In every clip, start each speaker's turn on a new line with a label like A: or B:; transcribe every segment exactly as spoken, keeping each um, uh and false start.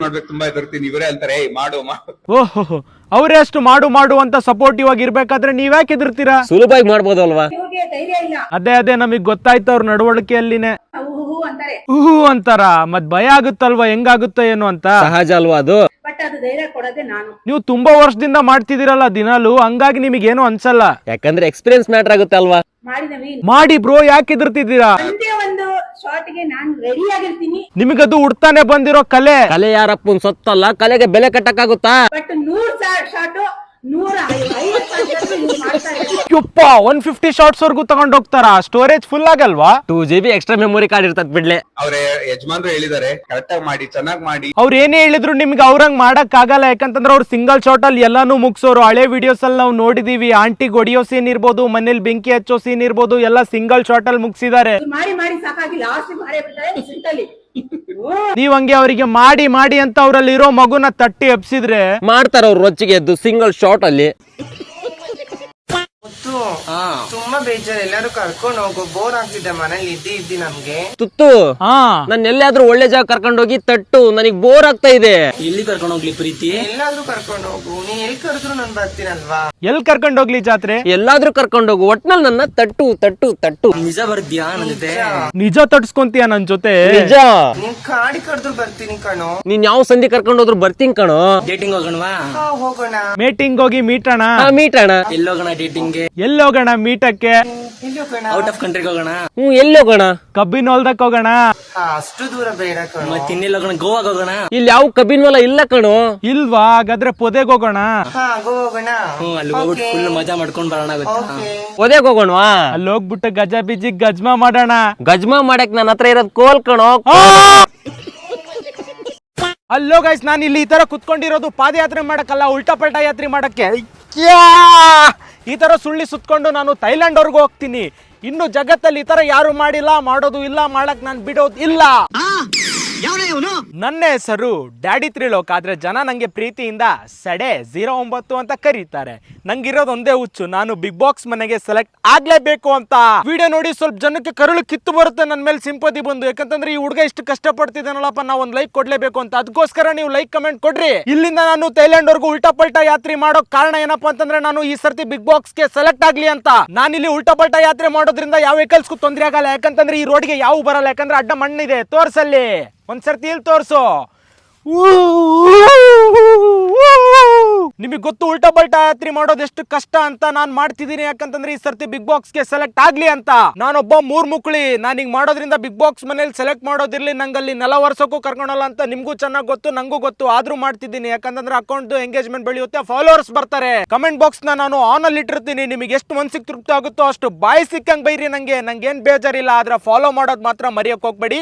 A: ಮಾಡ್ಬೇಕು ತುಂಬಾ ಹೆದರ್ತೀನಿ. ಇವರೇ ಅಂತಾರೆ ಏಯ್ ಮಾಡು ಮಾಡು.
B: ಓಹೋ, ಅವರೇ ಅಷ್ಟು ಮಾಡು ಮಾಡು ಅಂತ ಸಪೋರ್ಟಿವ್ ಆಗಿ ಇರ್ಬೇಕಾದ್ರೆ ನೀವ್ಯಾಕೆ ಹೆದರ್ತೀರಾ?
C: ಸುಲಭವಾಗಿ ಮಾಡ್ಬೋದಲ್ವಾ?
B: ಅದೇ ಅದೇ ನಮಗ್ ಗೊತ್ತಾಯ್ತು ಅವ್ರ ನಡವಳಿಕೆಯಲ್ಲಿನೇ ಹೂ ಅಂತಾರ. ಮತ್ ಭಯ ಆಗುತ್ತಲ್ವಾ, ಹೆಂಗಾಗುತ್ತೋ ಏನು ಅಂತ.
C: ಸಹಜ ಅಲ್ವಾ ಅದು.
B: ನೀವು ತುಂಬಾ ವರ್ಷದಿಂದ ಮಾಡ್ತಿದ್ದೀರಲ್ಲ ದಿನಾಲು, ಹಂಗಾಗಿ ನಿಮಗೇನು ಅನ್ಸಲ್ಲ.
C: ಯಾಕಂದ್ರೆ ಎಕ್ಸ್ಪೀರಿಯನ್ಸ್ ಮ್ಯಾಟರ್ ಆಗುತ್ತೆ ಅಲ್ವಾ?
B: ಮಾಡಿ ಬ್ರೋ, ಯಾಕೆ ಹೆದರ್ತಿದ್ದೀರಾ? ನಿಮಗದು ಉಡ್ತಾನೆ ಬಂದಿರೋ ಕಲೆ.
C: ಕಲೆ ಯಾರಪ್ಪನ್ ಸೊತ್ತಲ್ಲ, ಕಲೆಗೆ ಬೆಲೆ ಕಟ್ಟಕ್ಕಾಗುತ್ತಾ?
B: ಒನ್ ಫಿಫ್ಟಿ ಶಾರ್ಟ್ಸ್ ವರ್ಗು ತಗೊಂಡ್ ಹೋಗ್ತಾರ. ಸ್ಟೋರೇಜ್ ಫುಲ್ ಆಗಲ್ವಾ?
C: Two G B extra memory card ಇರ್ತದ ಬಿಡ್ಲೆ.
A: ಅವ್ರ ಯಜಮಾನ್ರು ಹೇಳಿದಾರೆ ಕರೆಕ್ಟ್ ಆಗಿ ಮಾಡಿ, ಚೆನ್ನಾಗಿ ಮಾಡಿ.
B: ಅವ್ರ ಏನೇ ಹೇಳಿದ್ರು ನಿಮ್ಗೆ ಅವ್ರಂಗ್ ಮಾಡಕ್ ಆಗಲ್ಲ. ಯಾಕಂತಂದ್ರೆ ಅವ್ರು ಸಿಂಗಲ್ ಶಾಟ್ ಅಲ್ಲಿ ಎಲ್ಲಾನು ಮುಗ್ಸೋರು. ಹಳೆ ವಿಡಿಯೋಸ್ ಅಲ್ಲಿ ನಾವು ನೋಡಿದೀವಿ. ಆಂಟಿ ಹೊಡಿಯೋ ಸೀನ್ ಇರ್ಬೋದು, ಮನೇಲಿ ಬೆಂಕಿ ಹಚ್ಚೋ ಸೀನ್ ಇರ್ಬೋದು, ಎಲ್ಲ ಸಿಂಗಲ್ ಶಾಟ್ ಅಲ್ಲಿ ಮುಗಿಸಿದ್ದಾರೆ. ನೀವ್ ಹಂಗೆ ಅವರಿಗೆ ಮಾಡಿ ಮಾಡಿ ಅಂತ ಅವ್ರಲ್ಲಿ ಇರೋ ಮಗುನ ತಟ್ಟಿ ಎಬ್ಸಿದ್ರೆ
C: ಮಾಡ್ತಾರ ಅವ್ರು ರೊಚ್ಚಿಗೆ ಎದ್ದು ಸಿಂಗಲ್ ಶಾಟ್ ಅಲ್ಲಿ.
D: ತುಂಬಾ ಬೇಜಾರು, ಎಲ್ಲಾರು ಕರ್ಕೊಂಡು ಹೋಗು, ಬೋರ್ ಆಗ್ತಿದೆ ಮನೇಲಿ ಇದ್ದಿ ಇದ್ದಿ ನಮ್ಗೆ.
C: ತುತ್ತು ನಾನು ಎಲ್ಲಾದ್ರೂ ಒಳ್ಳೆ ಜಾಗ ಕರ್ಕೊಂಡು ಹೋಗಿ ತಟ್ಟು, ನನಗ್ ಬೋರ್ ಆಗ್ತಾ ಇದೆ.
D: ಎಲ್ಲಿ ಕರ್ಕೊಂಡು ಹೋಗ್ಲಿ ಪ್ರೀತಿ? ಎಲ್ಲಾದ್ರೂ ಕರ್ಕೊಂಡು ಹೋಗು, ನೀ ಎಲ್ಲಿ ಕರೆದ್ರು ನಾನು ಬರ್ತೀನಲ್ವಾ?
B: ಎಲ್ ಕರ್ಕೊಂಡು ಹೋಗ್ಲಿ ಜಾತ್ರೆ?
C: ಎಲ್ಲಾದ್ರೂ ಕರ್ಕೊಂಡು ಹೋಗು, ಒಟ್ನಲ್ಲಿ ನನ್ನ ತಟ್ಟು ತಟ್ಟು ತಟ್ಟು.
D: ನಿಜ ಬರ್ತೀಯಾ ನನ್ ಜೊತೆ?
B: ನಿಜ ತಟ್ಸ್ಕೊಂತೀಯ ನನ್ ಜೊತೆ?
C: ನಿಜ.
D: ನೀನ್ ಕಾಡಿ ಕರೆದ್ರು ಬರ್ತೀನಿ ಕಣೋ.
C: ನೀನ್ ಯಾವ ಸಂಧಿ ಕರ್ಕೊಂಡು ಹೋದ್ರು ಬರ್ತೀನಿ ಕಣೋ.
D: ಡೇಟಿಂಗ್ ಹೋಗೋಣವಾ? ಹೋಗೋಣ.
B: ಮೀಟಿಂಗ್ ಹೋಗಿ ಮೀಟಣ.
C: ಮೀಟಣ.
D: ಎಲ್ಲೋಗೋಣ ಡೇಟಿಂಗ್?
B: ಎಲ್ಲೋಗೋಣ ಮೀಟಕ್ಕೆ?
D: ಔಟ್ ಆಫ್ ಕಂಟ್ರಿಗೆ ಹೋಗೋಣ.
C: ಹ್ಮ್, ಎಲ್ಲಿ ಹೋಗೋಣ?
B: ಕಬ್ಬಿನ ಹೊಲ್ದಕ್ ಹೋಗೋಣ.
D: ಅಷ್ಟು ದೂರ ಬೇಡ ಕಣೋ. ಮತ್ತೆ ಇನ್ನೆಲ್ಲ ಹೋಗೋಣ? ಗೋವಾಗ ಹೋಗೋಣ?
C: ಇಲ್ಲಿ ಯಾವ ಕಬ್ಬಿನ ಹೊಲ ಇಲ್ಲ ಕಣೋ.
B: ಇಲ್ವಾ? ಹಾಗಾದ್ರೆ ಪೊದೆಗ್ ಹೋಗೋಣ.
D: ಹಾ ಗೋವಾ ಹೋಗೋಣ. ಹ್ಮ್, ಅಲ್ಲಿ ಹೋಗ್ಬಿಟ್ಟು ಫುಲ್ ಮಜಾ ಮಾಡ್ಕೊಂಡ್ ಬರೋಣ.
C: ಪೊದೆಗ್ ಹೋಗೋಣವಾ?
B: ಅಲ್ಲಿ ಹೋಗ್ಬಿಟ್ಟು ಗಜ ಬಿಜಿ ಗಜ್ಮಾ ಮಾಡೋಣ.
C: ಗಜ್ಮಾ ಮಾಡಕ್ ನನ್ನ ಹತ್ರ ಇರೋದ್ ಕೋಲ್ ಕಣೋ.
B: ಅಲ್ಲೋ ಗೈಸ್, ನಾನು ಇಲ್ಲಿ ಈ ತರ ಕುತ್ಕೊಂಡಿರೋದು ಪಾದಯಾತ್ರೆ ಮಾಡಕ್ಕಲ್ಲ, ಉಲ್ಟಾ ಪಲ್ಟಾ ಯಾತ್ರೆ ಮಾಡಕ್ಕೆ. ಈ ತರ ಸುಳ್ಳಿ ಸುತ್ಕೊಂಡು ನಾನು ಥೈಲ್ಯಾಂಡ್ ಅವ್ರಿಗೆ ಹೋಗ್ತೀನಿ. ಇನ್ನು ಜಗತ್ತಲ್ಲಿ ಈ ತರ ಯಾರು ಮಾಡಿಲ್ಲ, ಮಾಡೋದು ಇಲ್ಲ, ಮಾಡಕ್ ನಾನು ಬಿಡೋದು ಇಲ್ಲ. ನನ್ನ ಹೆಸರು ಡ್ಯಾಡಿ ತ್ರಿಲೋಕ್, ಆದ್ರೆ ಜನ ನಂಗೆ ಪ್ರೀತಿಯಿಂದ ಸಡೆ ಝೀರೋ ಒಂಬತ್ತು ಅಂತ ಕರೀತಾರೆ. ನಂಗಿರೋದು ಒಂದೇ ಹುಚ್ಚು, ನಾನು ಬಿಗ್ ಬಾಕ್ಸ್ ಮನೆಗೆ ಸೆಲೆಕ್ಟ್ ಆಗ್ಲೇಬೇಕು ಅಂತ. ವಿಡಿಯೋ ನೋಡಿ ಸ್ವಲ್ಪ ಜನಕ್ಕೆ ಕರುಳು ಕಿತ್ತು ಬರುತ್ತೆ ನನ್ನ ಮೇಲೆ ಸಿಂಪತಿ ಬಂದು. ಯಾಕಂತಂದ್ರೆ ಈ ಹುಡುಗ ಇಷ್ಟು ಕಷ್ಟ ಪಡ್ತಿದ್ದಾನಲ್ಲಪ್ಪ, ನಾವು ಒಂದ್ ಲೈಕ್ ಕೊಡ್ಲೇಬೇಕು ಅಂತ. ಅದಕ್ಕೋಸ್ಕರ ನೀವು ಲೈಕ್ ಕಮೆಂಟ್ ಕೊಡ್ರಿ. ಇಲ್ಲಿಂದ ನಾನು ಥೈಲ್ಯಾಂಡ್ ವರ್ಗು ಉಲ್ಟಾ ಪಲ್ಟಾ ಯಾತ್ರೆ ಮಾಡೋ ಕಾರಣ ಏನಪ್ಪಾ ಅಂತಂದ್ರೆ, ನಾನು ಈ ಸರ್ತಿ ಬಿಗ್ ಬಾಕ್ಸ್ ಗೆ ಸೆಲೆಕ್ಟ್ ಆಗ್ಲಿ ಅಂತ. ನಾನಿಲ್ಲಿ ಉಲ್ಟಾ ಪಲ್ಟಾ ಯಾತ್ರೆ ಮಾಡೋದ್ರಿಂದ ಯಾವ ವೆಹಿಕಲ್ಸ್ಗೂ ತೊಂದರೆ ಆಗಲ್ಲ. ಯಾಕಂತಂದ್ರೆ ಈ ರೋಡ್ಗೆ ಯಾವ ಬರಲ್ಲ, ಯಾಕಂದ್ರೆ ಅಡ್ಡ ಮಣ್ಣಿದೆ. ತೋರ್ಸಲ್ಲಿ ಒಂದ್ಸರ್ತಿ ಇಲ್ಲಿ ತೋರ್ಸು. ನಿಮಗೆ ಗೊತ್ತು ಉಲ್ಟಾ ಪಲ್ಟಾ ಯಾತ್ರೆ ಮಾಡೋದು ಎಷ್ಟು ಕಷ್ಟ ಅಂತ. ನಾನ್ ಮಾಡ್ತಿದ್ದೀನಿ ಯಾಕಂತಂದ್ರೆ ಈ ಸರ್ತಿ ಬಿಗ್ ಬಾಕ್ಸ್ ಗೆ ಸೆಲೆಕ್ಟ್ ಆಗ್ಲಿ ಅಂತ. ನಾನೊಬ್ಬ ಮೂರ್ ಮುಕ್ಳಿ, ನಾನು ಹಿಂಗ್ ಮಾಡೋದ್ರಿಂದ ಬಿಗ್ ಬಾಕ್ಸ್ ಮನೇಲಿ ಸೆಲೆಕ್ಟ್ ಮಾಡೋದಿರ್ಲಿ, ನಂಗಲ್ಲಿ ನೆಲ ವರ್ಷಕ್ಕೂ ಕರ್ಕೊಳಲ್ಲ ಅಂತ ನಿಮ್ಗೂ ಚೆನ್ನಾಗಿ ಗೊತ್ತು, ನಂಗೂ ಗೊತ್ತು. ಆದ್ರೂ ಮಾಡ್ತಿದ್ದೀನಿ ಯಾಕಂತಂದ್ರೆ ಅಕೌಂಟ್ ಎಂಗೇಜ್ಮೆಂಟ್ ಬೆಳೆಯುತ್ತೆ, ಫಾಲೋವರ್ಸ್ ಬರ್ತಾರೆ. ಕಮೆಂಟ್ ಬಾಕ್ಸ್ ನ ನಾನು ಆನ್ ಅಲ್ಲಿ ಇಟ್ಟಿರ್ತೀನಿ. ನಿಮಗೆ ಎಷ್ಟು ಮನ್ಸಿಗೆ ತೃಪ್ತಿ ಆಗುತ್ತೋ ಅಷ್ಟು ಬಾಯಿ ಸಿಕ್ಕಂಗ್ ಬೈರಿ. ನಂಗೆ ನಂಗೆ ಏನ್ ಬೇಜಾರಿಲ್ಲ, ಆದ್ರೆ ಫಾಲೋ ಮಾಡೋದ್ ಮಾತ್ರ ಮರೆಯಕ್ ಹೋಗ್ಬೇಡಿ.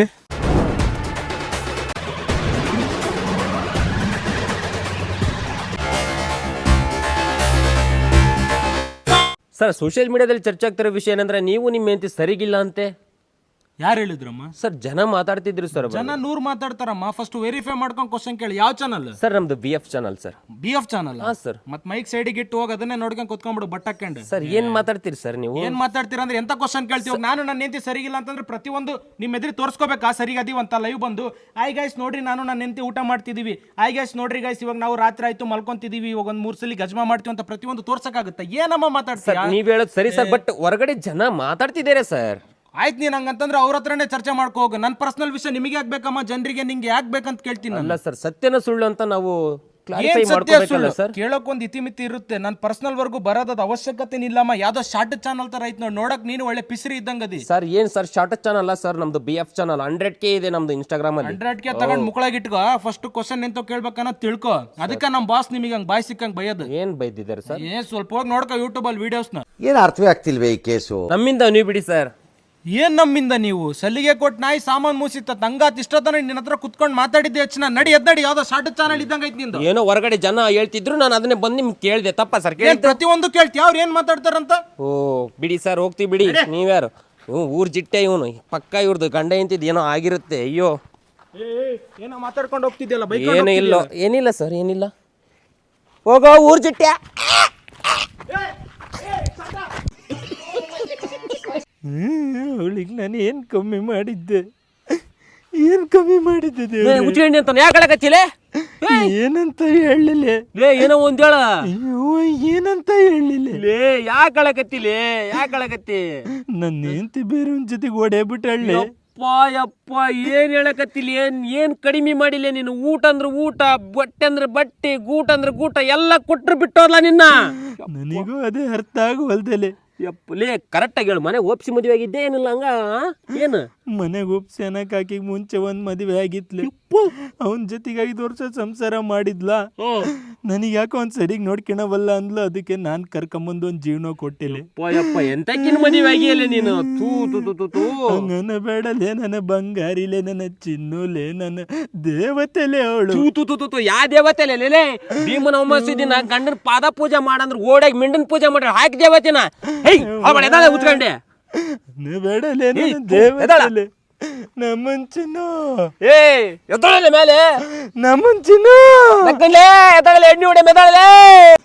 C: ಸರ್, ಸೋಷಿಯಲ್ ಮೀಡಿಯಾದಲ್ಲಿ ಚರ್ಚೆ ಆಗ್ತಿರೋ ವಿಷಯ ಏನಂದ್ರೆ, ನೀವು ನಿಮ್ಮ ಹೆಂಡತಿ ಸರಿಗಿಲ್ಲ ಅಂತೆ.
B: ಯಾರು ಹೇಳಿದ್ರಮ್ಮ?
C: ಸರ್, ಜನ ಮಾತಾಡ್ತಿದ್ರು ಸರ್.
B: ಜನ ನೂರ್ ಮಾತಾಡ್ತಾರಮ್ಮ. ಫಸ್ಟ್ ವೆರಿಫೈ ಮಾಡ್ಕೊಂಡು ಕ್ವಶನ್ ಕೇಳಿ. ಯಾವ ಚಾನಲ್
C: ಸರ್? ನಮ್ದು B F channel sir.
B: B F channel?
C: ಹಾ ಸರ್.
B: ಮತ್ ಮೈಕ್ ಸೈಡಿಗೆ ಇಟ್ಟು ಹೋಗಿ ಅದನ್ನೇ ನೋಡ್ಕೊಂಡು ಕುತ್ಕೊಂಡ್ಬಿಡು ಬಟ್ ಹಾಕೊಂಡು.
C: ಸರ್, ಏನ್ ಮಾತಾಡ್ತೀರಿ ಸರ್ ನೀವು?
B: ಏನ್ ಮಾತಾಡ್ತೀರಾ ಅಂದ್ರೆ ಎಂತ ಕ್ವಶನ್ ಕೇಳ್ತೀವಿ? ನಾನು ನನ್ನ ಹೆಂಡತಿ ಸರಿಗಿಲ್ಲ ಅಂತಂದ್ರೆ ಪ್ರತಿಯೊಂದು ನಿಮ್ ಎದುರು ತೋರ್ಸ್ಕೋಬೇಕಾ ಸರಿಗೆ ಅದೀವಿ ಅಂತ ಲೈವ್ ಬಂದು? ಆಯ್ ಗೈಸ್ ನೋಡ್ರಿ, ನಾನು ನನ್ನ ಹೆಂಡತಿ ಊಟ ಮಾಡ್ತಿದೀವಿ. ಆಯ್ ಗೈಸ್ ನೋಡ್ರಿ ಗೈಸ್, ಇವಾಗ ನಾವು ರಾತ್ರಿ ಆಯ್ತು ಮಲ್ಕೊಂತಿದೀವಿ, ಇವಾಗ ಒಂದ್ ಮೂರ್ ಸಲ ಗಜ್ಮಾ ಮಾಡ್ತೀವಿ ಅಂತ ಪ್ರತಿಯೊಂದು ತೋರ್ಸಕ್ಕಾಗುತ್ತೆ? ಏನಮ್ಮ ಮಾತಾಡ್ತೀರಾ?
C: ನೀವ್ ಹೇಳೋದು ಸರಿ ಸರ್, ಬಟ್ ಹೊರಗಡೆ ಜನ ಮಾತಾಡ್ತಿದ್ದಾರೆ ಸರ್.
B: ಆಯ್ತು, ನೀನ್ ಹಂಗಂತಂದ್ರೆ ಅವ್ರ ಹತ್ರನೇ ಚರ್ಚೆ ಮಾಡ್ಕೋ ಹೋಗು. ನನ್ನ ಪರ್ಸನಲ್ ವಿಷಯ ನಿಮಗೆ ಆಗ್ಬೇಕಮ್ಮ, ಜನರಿಗೆ ನಿಂಗೆ ಯಾಕೆ ಬೇಕಂತ ಕೇಳ್ತೀನಿ.
C: ಅಲ್ಲ ಸರ್, ಸತ್ಯನ ಸುಳ್ಳು ಅಂತ ನಾವು
B: ಕೇಳೋಕ್ ಒಂದ್ ಇತಿಮಿತಿ ಇರುತ್ತೆ. ನನ್ ಪರ್ಸನಲ್ ವರ್ಗು ಬರೋದ್ ಅವಶ್ಯಕತೆ ಇಲ್ಲಮ್ಮ. ಯಾವ್ದೋ ಶಾರ್ಟ್ ಚಾನಲ್ ತರ ಐತ್ ನೋಡಿ, ನೋಡಕ್ ನೀನು ಒಳ್ಳೆ ಪಿಸ್ರಿ ಇದ್ದಂಗ ಅದಿ.
C: ಸರ್, ಏನ್ ಸರ್ ಶಾರ್ಟ್ ಚಾನಲ್ ಅಲ್ಲ ಸರ್, ನಮ್ದು B F channel hundred K ಇದೆ ನಮ್ದು ಇನ್ಸ್ಟಾಗ್ರಾಮ್ ಅಲ್ಲಿ.
B: ಹಂಡ್ರೆಡ್ ಕೆ ತಗೊಂಡ್ ಮುಕ್ಕಳಾಗಿಟ್ಕೋ. ಫಸ್ಟ್ ಕ್ವಶನ್ ಎಂತ ಕೇಳ್ಬೇಕನ್ನ ತಿಳ್ಕೊ. ಅದಕ್ಕೆ ನಮ್ ಬಾಸ್ ನಿಮಗೆ ಹಂಗ್ ಬಾಯ್ ಸಿಕ್ಕಂಗ್ ಬೈಯೋದು.
C: ಏನ್ ಬೈದಿದ್ದಾರೆ ಸರ್?
B: ಏನ್ ಸ್ವಲ್ಪ ಹೋಗಿ ನೋಡ್ಕೊ ಯೂಟ್ಯೂಬ್ ಅಲ್ಲಿ ವಿಡಿಯೋಸ್ ನ.
E: ಏನ್ ಅರ್ಥವೇ ಆಗ್ತಿಲ್ವೇ ಈ ಕೇಸು?
C: ನಮ್ಮಿಂದ ನೀವು ಬಿಡಿ ಸರ್.
B: ಏನ್ ನಮ್ಮಿಂದ? ನೀವು ಸಲ್ಲಿಗೆ ಕೊಟ್ಟು ನಾಯಿ ಸಾಮಾನ್ ಮೂಸಿತ್ತ ತಂಗಾತ್ ಇಷ್ಟತನ ನಿನ್ನ ಹತ್ರ ಕುತ್ಕೊಂಡು ಮಾತಾಡಿದ್ದೆ ಹೆಚ್ಚಿನ. ನಡಿ ಎದ್ದಡಿ, ಯಾವ್ದೋ ಶಾರ್ಟ್ ಚಾನಲ್ ಇದ್ದಂಗ ಐತಿ ನಿಂದು.
C: ಏನೋ ಹೊರಗಡೆ ಜನ ಹೇಳ್ತಿದ್ರು, ನಾನು ಅದನ್ನೇ ಬಂದು ನಿಮ್ಗೆ ಕೇಳಿದೆ. ತಪ್ಪ ಸರ್?
B: ಪ್ರತಿಯೊಂದು ಕೇಳ್ತಿ, ಅವ್ರು ಏನ್ ಮಾತಾಡ್ತಾರಂತ.
C: ಓ ಬಿಡಿ ಸರ್, ಹೋಗ್ತೀವಿ ಬಿಡಿ. ನೀವ್ಯಾರು? ಇವ್ ಊರ್ ಜಿಟ್ಟೆ ಇವನು, ಪಕ್ಕ ಇವ್ರದ್ದು ಗಂಡ ಎಂತಿದ್ ಏನೋ ಆಗಿರುತ್ತೆ. ಅಯ್ಯೋ,
B: ಏನೋ ಮಾತಾಡ್ಕೊಂಡು ಹೋಗ್ತಿದ್ಯಲ್ಲ ಬೈಕ್?
C: ಏನೂ ಇಲ್ಲ, ಏನಿಲ್ಲ ಸರ್, ಏನಿಲ್ಲ. ಹೋಗೋ ಊರ್ ಜಿಟ್ಟೆ.
B: ಹ್ಮ್, ಅವಳಿಗೆ ನಾನು ಏನು ಕಮ್ಮಿ ಮಾಡಿದ್ದೆ? ಏನ್ ಕಮ್ಮಿ ಮಾಡಿದ್ದೆ
C: ಉಚ್ಕೊಂಡಿ ಅಂತ ಯಾಕೆ ಹೇಳಕತ್ತಿಲೆ
B: ಏನಂತ ಹೇಳಲಿಲ್ಲ
C: ಲೇ ಏನೋ ಒಂದ್ ಹೇಳ
B: ಅಯ್ಯೋ ಏನಂತ ಹೇಳಲಿಲ್ಲ
C: ಲೇ ಯಾಕೆ ಹೇಳಕತ್ತಿಲೆ ಯಾಕೆ ಹೇಳಕತ್ತಿ
B: ನನ್ನ ಹೆಂಡತಿ ಬೇರೆ ಒಂದ್ ಜೊತೆಗೆ ಓಡೇಬಿಟ್ಟು ಹೇಳಿ
C: ಯಪ್ಪ ಯಪ್ಪ ಏನ್ ಹೇಳಕತ್ತಿಲ್ಲ ಏನ್ ಏನ್ ಕಡಿಮೆ ಮಾಡಿಲ್ಲ ನೀನು ಊಟ ಅಂದ್ರೆ ಊಟ ಬಟ್ಟೆ ಅಂದ್ರೆ ಬಟ್ಟೆ ಗೂಟ ಅಂದ್ರೆ ಗೂಟ ಎಲ್ಲ ಕೊಟ್ರು ಬಿಟ್ಟೋದ್ಲ ನಿನ್ನ
B: ನನಗೂ ಅದೇ ಅರ್ಥ ಆಗುವಲ್ದಲೆ
C: ಯಪ್ಪ ಲೇ ಕರೆಕ್ಟಾಗಿ ಹೇಳು ಮನೆ ಒಪ್ಸಿ ಮದುವೆ ಆಗಿದ್ದೆ ಏನಿಲ್ಲ ಹಂಗ ಏನು
B: ಮನೆಗೆ ಒಪ್ಸಿ ಅನ್ನಕ್ ಆಕಿಗೆ ಮುಂಚೆ ಒಂದ್ ಮದುವೆ ಆಗಿತ್ಲೆ ಅವನ್ ಜೊತೆಗೆ ಐದು ವರ್ಷ ಸಂಸಾರ ಮಾಡಿದ್ಲ ನನಗೆ ಯಾಕೋ ಒಂದ್ ಸರಿಗ್ ನೋಡ್ಕೊಳವಲ್ಲ ಅಂದ್ಲು ಅದಕ್ಕೆ ನಾನ್ ಕರ್ಕೊಂಬಂದು ಒಂದ್ ಜೀವನ ಕೊಟ್ಟಿಲ್ಲ
C: ಯಪ್ಪ ಎಂತಕ್ಕಿನ ಮದುವೆ ಆಗಿಲ್ಲ ನೀನು ತೂ ತೂ ತೂ ತೂ ತೂ
B: ನನ್ನ ಬೇಡಲೇ ನನ್ನ ಬಂಗಾರಿಲೆ ನನ್ನ ಚಿನ್ನುಲೆ ನನ್ನ ದೇವತೆಲೆ ಅವಳು
C: ತೂ ತೂ ತೂ ತೂ ತೂ ಯಾ ದೇವತೆ ಲೇ ಭೀಮನ ಅಮಾವಾಸ್ಯೆ ದಿನ ಗಂಡನ ಪಾದ ಪೂಜೆ ಮಾಡಂದ್ರೆ ಓಡಾಗಿ ಮಿಂಡನ್ ಪೂಜೆ ಮಾಡ್ರಿ ಹಾಕಿ ದೇವತೆನ ಹೇಯ್ ಅವಳ ಎದಾಳೆ ಉತ್ಕೊಂಡೆ
B: ಬೇಡಲೇ ನನ್ನ ದೇವತೆಲೆ ನಮ್ಮನ್ ಚಿನ್ನು
C: ಏ ಎದ್ದೊಳಲೆ ಮೇಲೆ
B: ನಮ್ಮನ್ ಚಿನ್ನು
C: ಎದ್ದೊಳಲೆ ಎಣ್ಣೆ ಹೊಡೆ ಮೆದಾಳಲೆ